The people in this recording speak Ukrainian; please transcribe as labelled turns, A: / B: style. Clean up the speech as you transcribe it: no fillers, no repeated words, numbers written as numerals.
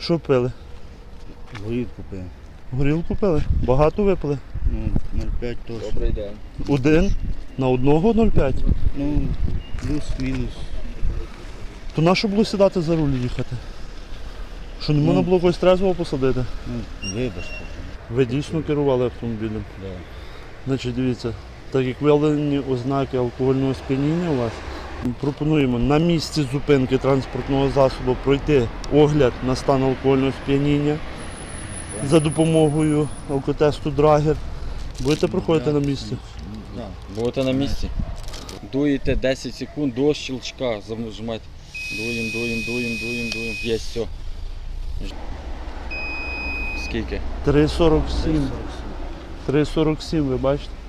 A: Що пили?
B: Горілку пив.
A: Горілку пили? Багато випили?
B: Ну, 0,5 точно.
C: Добрий день.
A: Один? На одного 0,5?
B: Ну, плюс-мінус.
A: То на що було сідати за руль їхати? Що не можна було когось трезвого посадити?
B: Ну, вибачте.
A: Ви дійсно керували автомобілем?
B: Да.
A: Значить, дивіться, так як виявлені ознаки алкогольного сп'яніння у вас, пропонуємо на місці зупинки транспортного засобу пройти огляд на стан алкогольного сп'яніння за допомогою алкотесту Драгер. Будете проходити на місці?
B: Да.
C: Будете на місці. Дуєте 10 секунд до щелчка. Зажимайте. Дуємо. Є, все. Скільки?
A: 3,47. 3,47, ви бачите?